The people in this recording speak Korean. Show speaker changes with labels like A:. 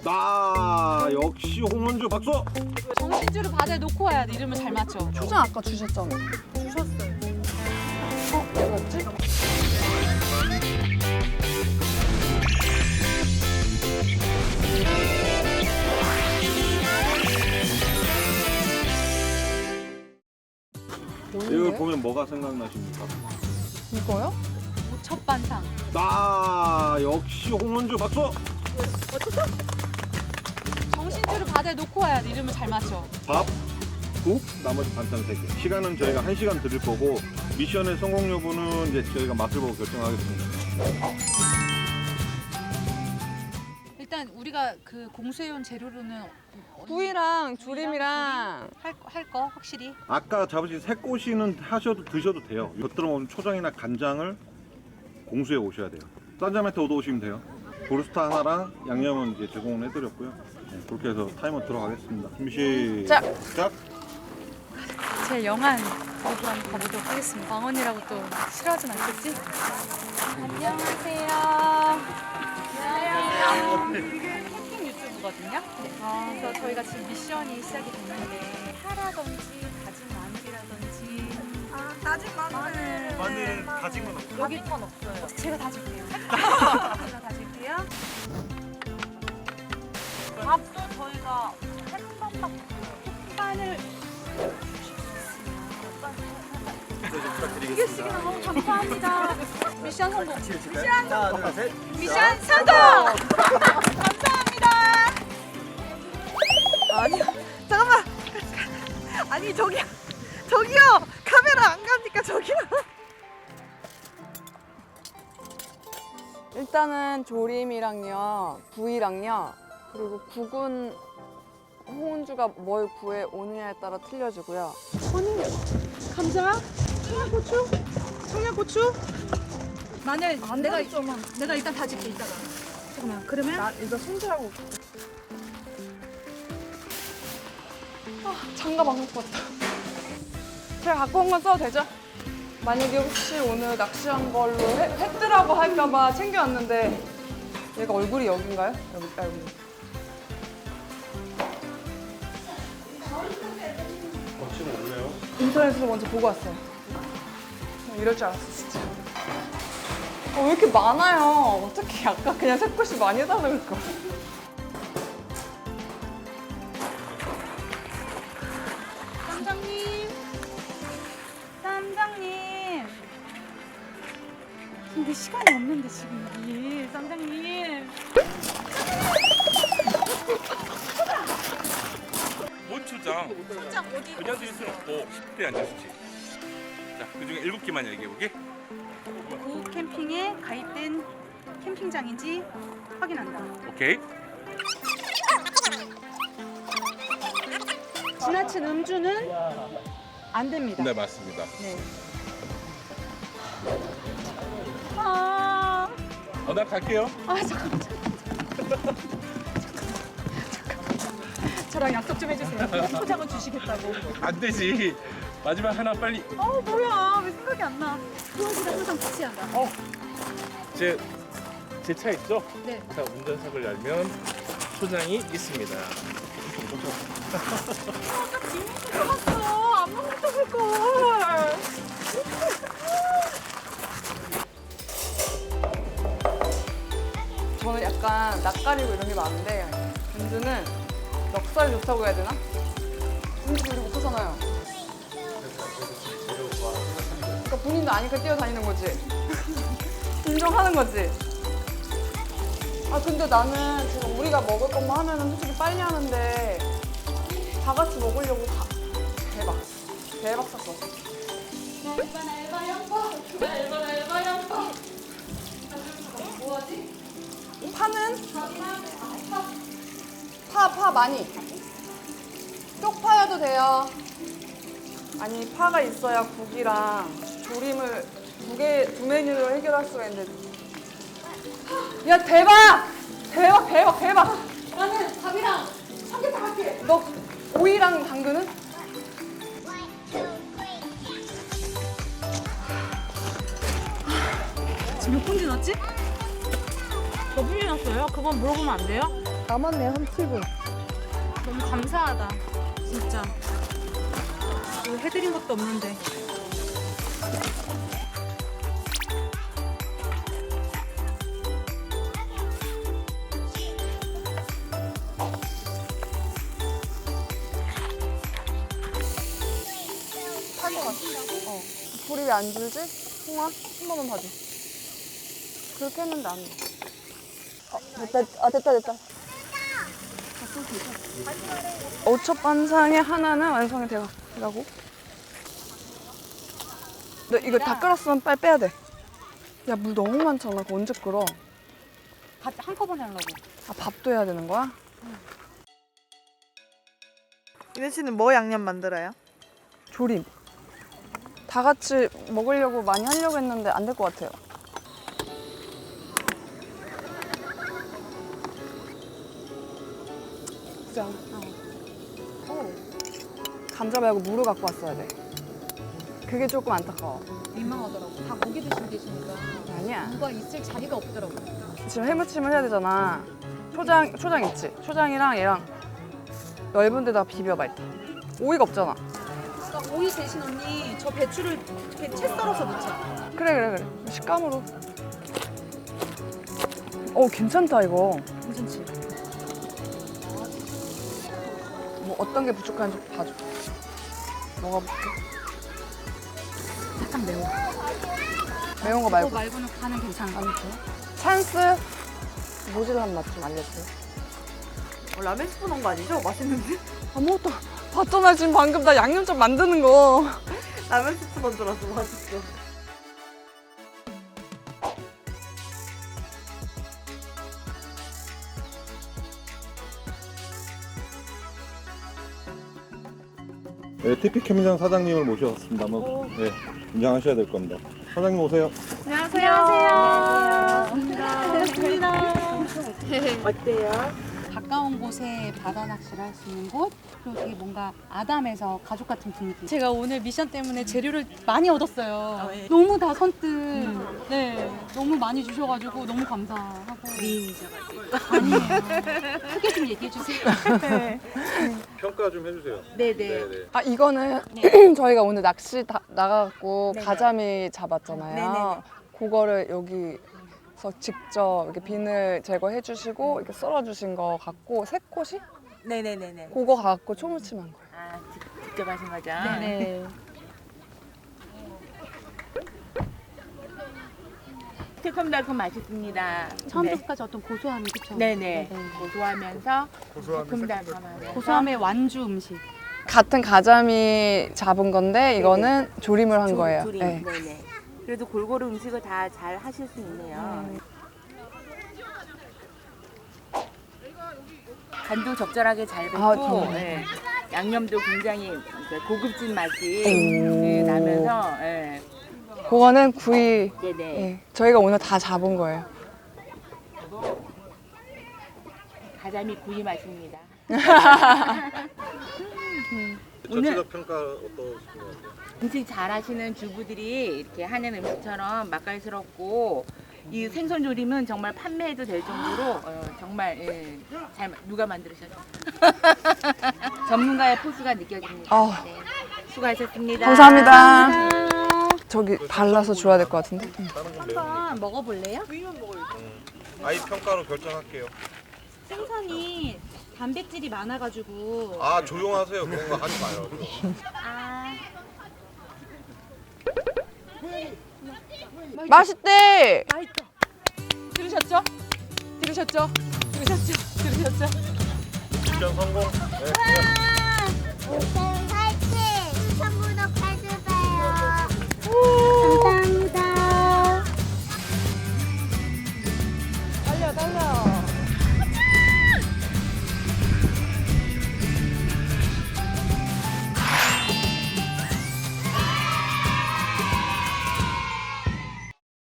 A: 나 역시 홍은주 박수.
B: 정신줄을 바다에 놓고 와야 돼. 이름을 잘 맞춰.
C: 초장 아까 주셨잖아.
B: 주셨어요.
C: 왜 그랬지?
A: 이걸 보면 뭐가 생각나십니까?
C: 이거요?
B: 첫 반상.
A: 나 역시 홍은주 박수.
B: 어떻게? 정신줄을 바다에 놓고 와야 돼. 이름을 잘 맞춰.
A: 밥, 국, 나머지 반찬 3개. 시간은 저희가 1시간 드릴 거고 미션의 성공 여부는 이제 저희가 맛을 보고 결정하겠습니다.
B: 일단 우리가 그 공수해온 재료로는
C: 구이랑 조림이랑
B: 할 거 확실히.
A: 아까 잡으신 새꼬시는 드셔도 돼요. 곁들여 먹는 초장이나 간장을 공수해 오셔야 돼요. 딴자매트 얻어오시면 돼요. 브루스타 하나랑 양념은 이제 제공을 해드렸고요. 네, 그렇게 해서 타이머 들어가겠습니다. 준비 시작!
B: 제 영한 모습 한번 가보도록 하겠습니다. 왕언니라고 또 싫어하진 않겠지? 안녕하세요. 안녕하세요. 캠핑 유튜브거든요. 그래서 저희가 지금 미션이 시작이 됐는데 파라든지 다진 마늘이라든지
C: 다진 마늘.
D: 마늘 다진 건 없어요?
B: 여기 건 없어요. 제가 다질게요. 제가 다질게요. 밥도 저희가 햇반밥 햇반을 두 개씩이나 너무 감사합니다. 미션 성공.
D: 하나, 둘, 셋.
B: 미션 성공. 감사합니다.
C: 아니요. 잠깐만. 아니 저기요. 카메라 안 가니까 저기요. 일단은 조림이랑요, 구이랑요, 그리고 국은 홍은주가 뭘 구해 오느냐에 따라 틀려지고요.
B: 감자, 청양고추, 마늘. 내가 일단 다질게 이따가. 잠깐만. 그러면
C: 나 이거 손질하고. 장갑 안 갖고 왔다. 제가 갖고 온 건 써도 되죠? 만약에 혹시 오늘 낚시한 걸로 했더라고 할까봐 챙겨왔는데 얘가 얼굴이 여긴가요? 여기. 인터넷에서 먼저 보고 왔어요. 이럴 줄 알았어 진짜. 왜 이렇게 많아요? 어떻게 아까 그냥 새꼬시 많이 해달라고 그럴까?
B: 쌈장님. 근데 시간이 없는데 지금 여기 쌈장님.
E: 뭔 초장?
B: 쌈장 어디?
E: 그냥 드실 수는 없고 10대 앉아주지. 자, 그중에 7개만 얘기해보게.
B: 고 캠핑에 가입된 캠핑장인지 확인한다.
E: 오케이.
B: 지나친 음주는 안 됩니다.
E: 네, 맞습니다.
B: 네. 아,
E: 나 갈게요.
B: 잠깐만. 저랑 약속 좀 해주세요. 포장은 주시겠다고.
E: 안 되지. 마지막 하나 빨리.
B: 뭐야? 왜 생각이 안 나? 그거보다 항상 같이 한다.
E: 제 차 있죠?
B: 네.
E: 자, 운전석을 열면 초장이 있습니다.
B: 들어갔어. 안 먹었다 걸.
C: 저는 약간 낯가리고 이런 게 많은데 은주는 넉살 좋다고 해야 되나? 은주 요리 못하잖아요. 그러니까 본인도 아니까 뛰어다니는 거지. 인정하는 거지. 근데 나는 지금 우리가 먹을 것만 하면은 솔직히 빨리 하는데 다 같이 먹으려고 대박 샀어. 뭐하지? 파는? 파 많이. 쪽파여도 돼요. 아니 파가 있어야 국이랑 조림을 두 메뉴로 해결할 수가 있는데. 야 대박! 나는 밥이랑 삼계탕 할게. 너 오이랑 당근은?
B: 지금 몇 분지 넣었지? 몇 분지 넣었어요? 그건 물어보면 안 돼요?
C: 남았네요, 한 7분.
B: 너무 감사하다. 진짜. 뭐 해드린 것도 없는데.
C: 탈 것 같아. 불이 왜 안 줄지? 홍아, 한 번만 봐줘. 그렇게 했는데 안 돼. 됐다. 됐다. 5첩 반상의 하나는 완성이 되라고? 너 이거 다 끓었으면 빨리 빼야 돼. 야, 물 너무 많잖아. 그거 언제 끓어?
B: 밥 한꺼번에 하려고.
C: 아, 밥도 해야 되는 거야?
F: 이네 씨는 뭐 양념 만들어요?
C: 조림. 다 같이 먹으려고 많이 하려고 했는데 안 될 것 같아요. 진짜. 감자 말고 무를 갖고 왔어야 돼. 그게 조금 안타까워.
B: 민망하더라고. 다 고기 드시고 계시니까.
C: 아니야.
B: 누가 있을 자리가 없더라고.
C: 지금 해무침을 해야 되잖아. 초장 있지? 초장이랑 얘랑 넓은 데다 비벼봐 일단. 오이가 없잖아.
B: 그러니까 오이 대신 언니 저 배추를 이렇게 채 썰어서 넣자.
C: 그래. 식감으로. 괜찮다 이거.
B: 괜찮지?
C: 뭐 어떤 게 부족한지 봐줘. 먹어볼게.
B: 살짝 매워.
C: 매운 거
B: 그거
C: 말고.
B: 말고는 간은 괜찮아.
C: 안 돼. 찬스 모질한 맛 좀 알려주세요.
F: 라면 스프 넣은 거 아니죠? 맛있는데?
C: 아무것도 봤잖아 지금 방금 나 양념장 만드는 거.
F: 라면 스프 넣은 줄 알았어. 맛있어.
A: 네, TP 캠핑장 사장님을 모셔왔습니다. 한번 네, 인정하셔야 될 겁니다. 사장님 오세요.
F: 어때요?
B: 가까운 곳에 바다 낚시를 할 수 있는 곳, 그리고 되게 뭔가 아담해서 가족 같은 분위기. 제가 오늘 미션 때문에 재료를 많이 얻었어요. 너무 다 선뜻, 네, 너무 많이 주셔가지고 너무 감사하고. 미인이셔가지고. 아니에요. 크게 좀 얘기해 주세요.
A: 평가 좀 해주세요.
B: 네네.
C: 아 이거는 저희가 오늘 낚시 나가갖고 가자미 잡았잖아요.
F: 네네네.
C: 그거를 여기서 직접 이렇게 비늘 제거해 주시고 이렇게 썰어 주신 거 갖고 새꼬시?
F: 네네네네.
C: 그거 갖고 초무침한 거예요.
F: 아, 직접 하신 거죠?
B: 네네.
F: 새콤달콤 맛있습니다.
B: 처음부터까지 어떤 고소함이 그쵸?
F: 네네. 고소하면서 새콤달콤하면서
B: 고소함의 완주 음식.
C: 같은 가자미 잡은 건데 이거는 조림을 한 거예요.
F: 조림.
C: 네.
F: 네네. 그래도 골고루 음식을 다 잘 하실 수 있네요. 간도 적절하게 잘 뱄고
C: 아, 정말.
F: 예. 양념도 굉장히 이제 고급진 맛이
C: 오.
F: 예, 나면서 예.
C: 그거는 구이.
F: 네네.
C: 예. 저희가 오늘 다 잡은 거예요.
F: 가자미 구이 맛입니다.
A: 전체적 평가 어떠신가요?
F: 음식 잘하시는 주부들이 이렇게 하는 음식처럼 맛깔스럽고 이 생선 조림은 정말 판매해도 될 정도로 정말 잘 누가 만들으셨죠? 전문가의 포스가 느껴집니다.
C: 아.
F: 네. 수고하셨습니다.
C: 감사합니다. 저기 발라서 줘야 될 것 같은데.
A: 다른 건 매운
B: 한번 먹어볼래요?
A: 아이 평가로 결정할게요.
B: 생선이 단백질이 많아가지고.
A: 아 조용하세요. 그런 거 하지 마요.
B: 아.
C: 맛있대.
B: 맛있다. 들으셨죠? 들으셨죠? 들으셨죠? 들으셨죠?
A: 미션 성공. 네.